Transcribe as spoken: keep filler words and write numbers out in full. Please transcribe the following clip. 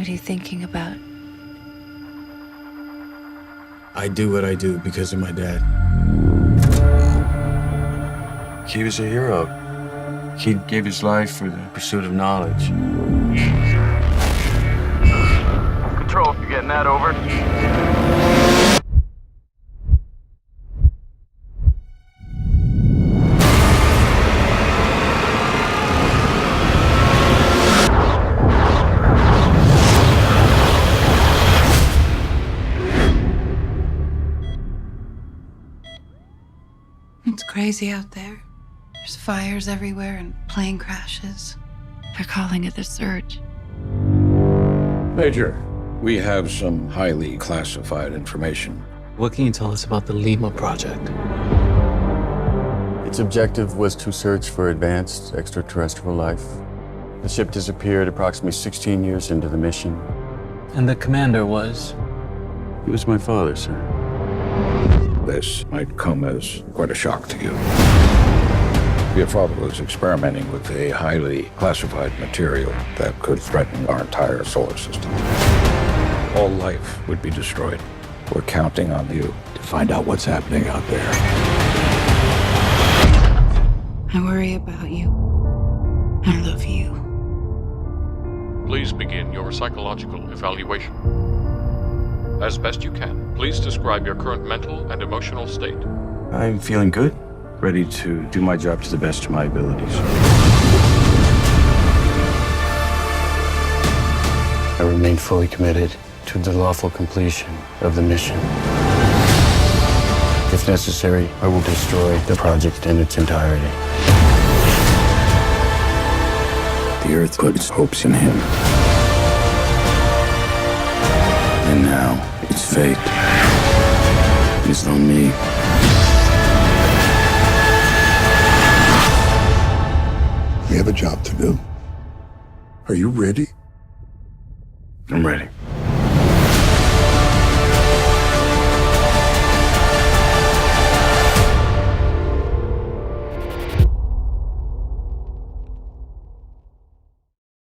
What are you thinking about? I do what I do because of my dad. He was a hero. He gave his life for the pursuit of knowledge. Control, you getting that over? It's crazy out there. There's fires everywhere and plane crashes. They're calling it the Surge. Major, we have some highly classified information. What can you tell us about the Lima project? Its objective was to search for advanced extraterrestrial life. The ship disappeared approximately sixteen years into the mission. And the commander was? He was my father, sir. This might come as quite a shock to you. Your father was experimenting with a highly classified material that could threaten our entire solar system. All life would be destroyed. We're counting on you to find out what's happening out there. I worry about you. I love you. Please begin your psychological evaluation. As best you can, please describe your current mental and emotional state. I'm feeling good, ready to do my job to the best of my abilities. I remain fully committed to the lawful completion of the mission. If necessary, I will destroy the project in its entirety. The Earth put its hopes in him. And now, its fate is on me. We have a job to do. Are you ready? I'm ready.